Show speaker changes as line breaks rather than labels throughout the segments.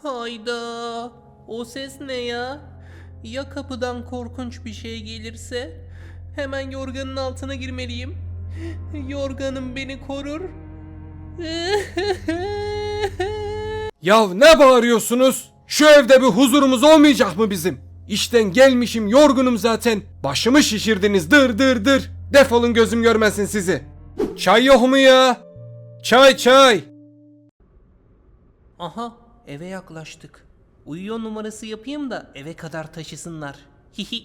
Hayda. O ses ne ya? Ya kapıdan korkunç bir şey gelirse? Hemen yorganın altına girmeliyim. Yorganım beni korur.
Ya ne bağırıyorsunuz? Şu evde bir huzurumuz olmayacak mı bizim? İşten gelmişim yorgunum zaten. Başımı şişirdiniz dır dır dır. Defolun gözüm görmesin sizi. Çay yok mu ya? Çay çay.
Aha, eve yaklaştık. Uyuyor numarası yapayım da eve kadar taşısınlar. Hihi.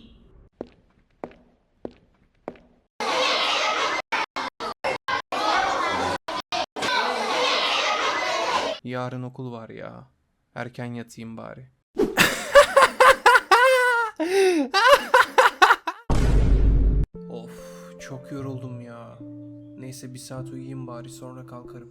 Yarın okul var ya. Erken yatayım bari. Of, çok yoruldum ya. Neyse bir saat uyuyayım bari, sonra kalkarım.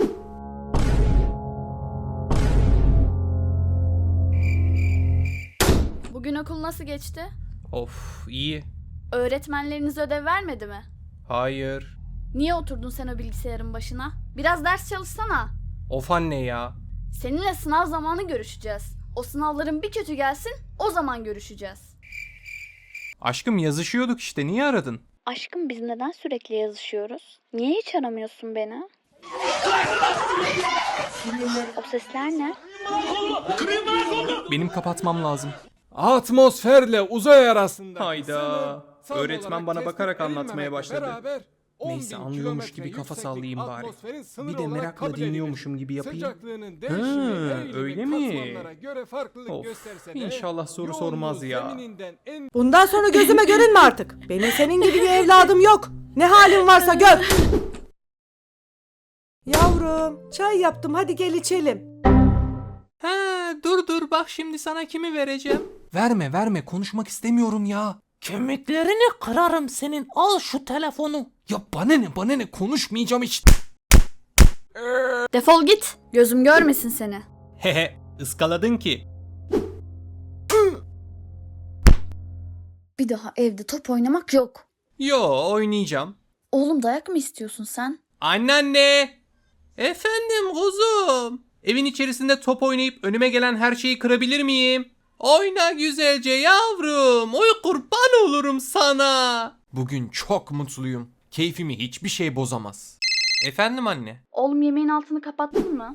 Bugün okul nasıl geçti?
Of, iyi.
Öğretmenleriniz ödev vermedi mi?
Hayır.
Niye oturdun sen o bilgisayarın başına? Biraz ders çalışsana.
Of anne ya.
Seninle sınav zamanı görüşeceğiz. O sınavların bir kötü gelsin, o zaman görüşeceğiz.
Aşkım yazışıyorduk işte, niye aradın?
Aşkım biz neden sürekli yazışıyoruz? Niye hiç aramıyorsun beni? O sesler ne?
Benim kapatmam lazım. Atmosferle uzay arasında.
Hayda. Öğretmen bana bakarak anlatmaya başladı.
Neyse anlıyormuş gibi kafa sallayayım bari. Bir de merakla dinliyormuşum gibi yapayım.
Öyle mi? Of, inşallah soru sormaz ya.
Bundan sonra gözüme görünme artık. Benim senin gibi bir evladım yok. Ne halin varsa gör. Yavrum, çay yaptım. Hadi gel içelim.
Ha, dur bak şimdi sana kimi vereceğim.
Verme konuşmak istemiyorum ya.
Kemiklerini kırarım senin. Al şu telefonu.
Ya bana ne konuşmayacağım hiç.
Defol git. Gözüm görmesin seni.
Hehe, ıskaladın ki.
Bir daha evde top oynamak yok.
Yo, oynayacağım.
Oğlum dayak mı istiyorsun sen?
Anneanne!
Efendim kuzum. Evin içerisinde top oynayıp önüme gelen her şeyi kırabilir miyim? Oyna güzelce yavrum. Oy kurban olurum sana.
Bugün çok mutluyum. Keyfimi hiçbir şey bozamaz.
Efendim anne?
Oğlum yemeğin altını kapattın mı?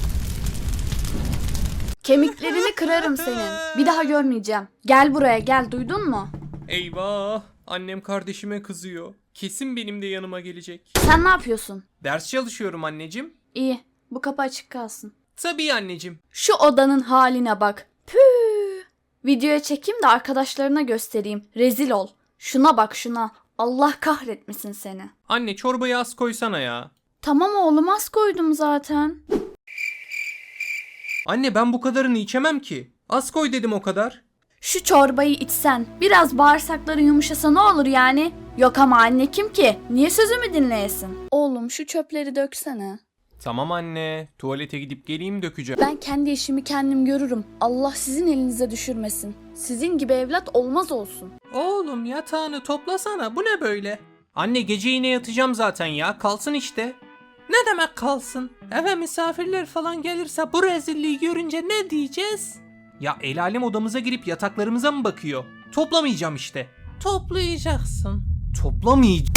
Kemiklerini kırarım senin. Bir daha görmeyeceğim. Gel buraya gel, duydun mu?
Eyvah! Annem kardeşime kızıyor. Kesin benim de yanıma gelecek.
Sen ne yapıyorsun?
Ders çalışıyorum anneciğim.
İyi, bu kapı açık kalsın.
Tabii anneciğim.
Şu odanın haline bak. Püh. Videoya çekeyim de arkadaşlarına göstereyim. Rezil ol. Şuna bak şuna. Allah kahretmesin seni.
Anne çorbayı az koysana ya.
Tamam oğlum, az koydum zaten.
Anne ben bu kadarını içemem ki. Az koy dedim o kadar.
Şu çorbayı içsen, biraz bağırsakların yumuşasa ne olur yani? Yok ama anne kim ki? Niye sözümü dinleyesin? Oğlum şu çöpleri döksene.
Tamam anne. Tuvalete gidip geleyim dökeceğim.
Ben kendi işimi kendim görürüm. Allah sizin elinize düşürmesin. Sizin gibi evlat olmaz olsun.
Oğlum yatağını toplasana. Bu ne böyle?
Anne gece yine yatacağım zaten ya. Kalsın işte.
Ne demek kalsın? Eve misafirler falan gelirse bu rezilliği görünce ne diyeceğiz?
Ya el alem odamıza girip yataklarımıza mı bakıyor? Toplamayacağım işte.
Toplayacaksın.
Toplamayacağım.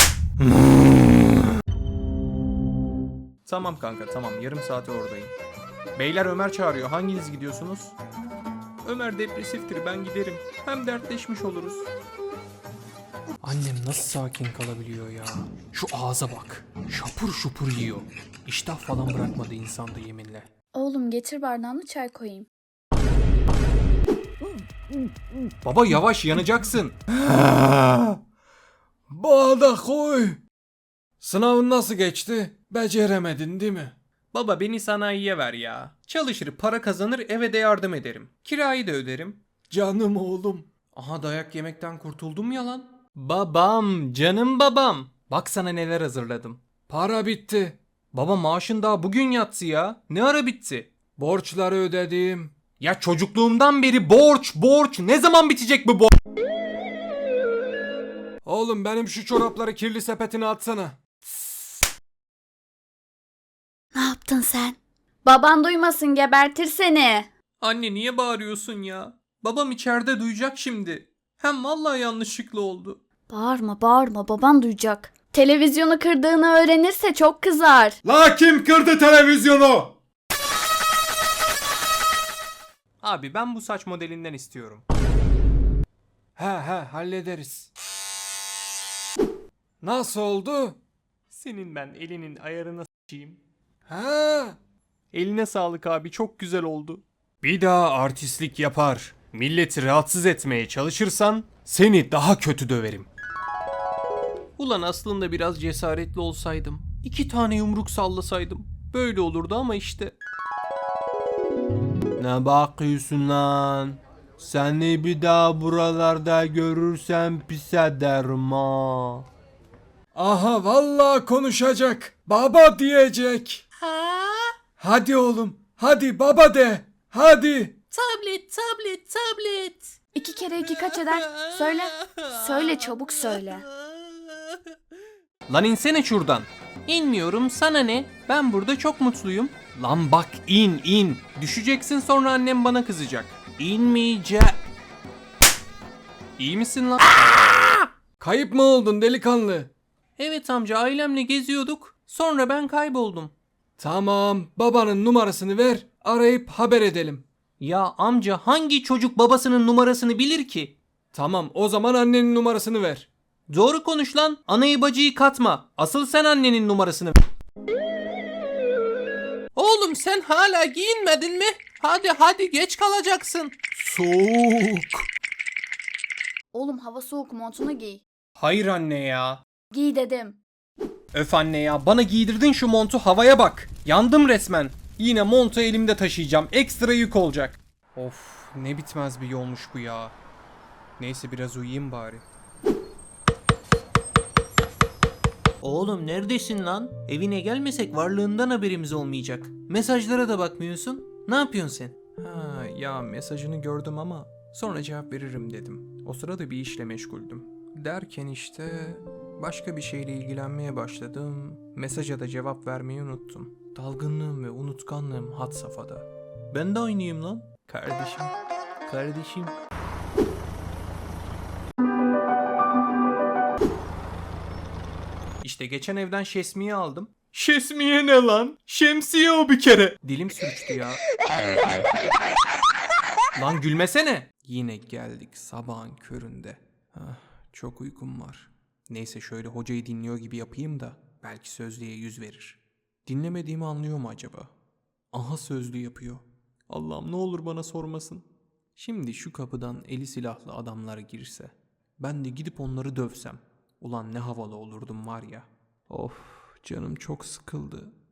Tamam kanka tamam, yarım saate oradayım. Beyler Ömer çağırıyor, hanginiz gidiyorsunuz? Ömer depresiftir, ben giderim. Hem dertleşmiş oluruz.
Annem nasıl sakin kalabiliyor ya? Şu ağza bak. Şapur şupur yiyor. İştah falan bırakmadı insanda yeminle.
Oğlum getir bardağını, çay koyayım.
Baba yavaş, yanacaksın. Bağda koy. Sınavın nasıl geçti? Beceremedin değil mi?
Baba beni sanayiye ver ya. Çalışır, para kazanır, eve de yardım ederim. Kirayı da öderim.
Canım oğlum.
Aha dayak yemekten kurtuldum ya lan. Babam, canım babam. Bak sana neler hazırladım.
Para bitti.
Baba maaşın daha bugün yatsı ya. Ne ara bitti?
Borçları ödedim.
Ya çocukluğumdan beri borç. Ne zaman bitecek bu borç?
Oğlum benim şu çorapları kirli sepetine atsana.
Ne yaptın sen? Baban duymasın, gebertir seni.
Anne niye bağırıyorsun ya? Babam içeride duyacak şimdi. Hem vallahi yanlışlıkla oldu.
Bağırma bağırma, baban duyacak. Televizyonu kırdığını öğrenirse çok kızar.
La kim kırdı televizyonu?
Abi ben bu saç modelinden istiyorum.
He hallederiz. Nasıl oldu?
Senin ben elinin ayarına s**eyim.
Ha.
Eline sağlık abi, çok güzel oldu.
Bir daha artistlik yapar, milleti rahatsız etmeye çalışırsan seni daha kötü döverim.
Ulan aslında biraz cesaretli olsaydım. 2 tane yumruk sallasaydım. Böyle olurdu ama işte.
Ne bakıyorsun lan? Seni bir daha buralarda görürsem pis ederim ha. Aha vallahi konuşacak. Baba diyecek. Hadi oğlum. Hadi baba de. Hadi.
Tablet.
2 kere 2 kaç eder? Söyle. Söyle çabuk söyle.
Lan insene şuradan. İnmiyorum, sana ne? Ben burada çok mutluyum. Lan bak in. Düşeceksin, sonra annem bana kızacak. İnmeyeceğim. İyi misin lan?
Kayıp mı oldun delikanlı?
Evet amca, ailemle geziyorduk. Sonra ben kayboldum.
Tamam, babanın numarasını ver, arayıp haber edelim.
Ya amca, hangi çocuk babasının numarasını bilir ki?
Tamam, o zaman annenin numarasını ver.
Doğru konuş lan. Anayı bacıyı katma. Asıl sen annenin numarasını ver. Oğlum sen hala giyinmedin mi? Hadi geç kalacaksın.
Soğuk.
Oğlum hava soğuk, montunu giy.
Hayır anne ya.
Giy dedim.
Öf anne ya, bana giydirdin şu montu, havaya bak. Yandım resmen. Yine montu elimde taşıyacağım. Ekstra yük olacak. Of, ne bitmez bir yolmuş bu ya. Neyse biraz uyuyayım bari. Oğlum neredesin lan? Evine gelmesek varlığından haberimiz olmayacak. Mesajlara da bakmıyorsun. Ne yapıyorsun sen? Ha ya, mesajını gördüm ama sonra cevap veririm dedim. O sırada bir işle meşguldüm. Derken işte başka bir şeyle ilgilenmeye başladım. Mesaja da cevap vermeyi unuttum. Dalgınlığım ve unutkanlığım had safhada. Ben de aynıyım lan. Kardeşim. İşte geçen evden şesmiye aldım. Şesmiye ne lan? Şemsiye o bir kere. Dilim sürçtü ya. Lan gülmesene. Yine geldik sabahın köründe. Çok uykum var. Neyse şöyle hocayı dinliyor gibi yapayım da belki sözlüğe yüz verir. Dinlemediğimi anlıyor mu acaba? Aha, sözlü yapıyor. Allah'ım ne olur bana sormasın. Şimdi şu kapıdan eli silahlı adamlar girse, ben de gidip onları dövsem. Ulan ne havalı olurdum var ya. Of, canım çok sıkıldı.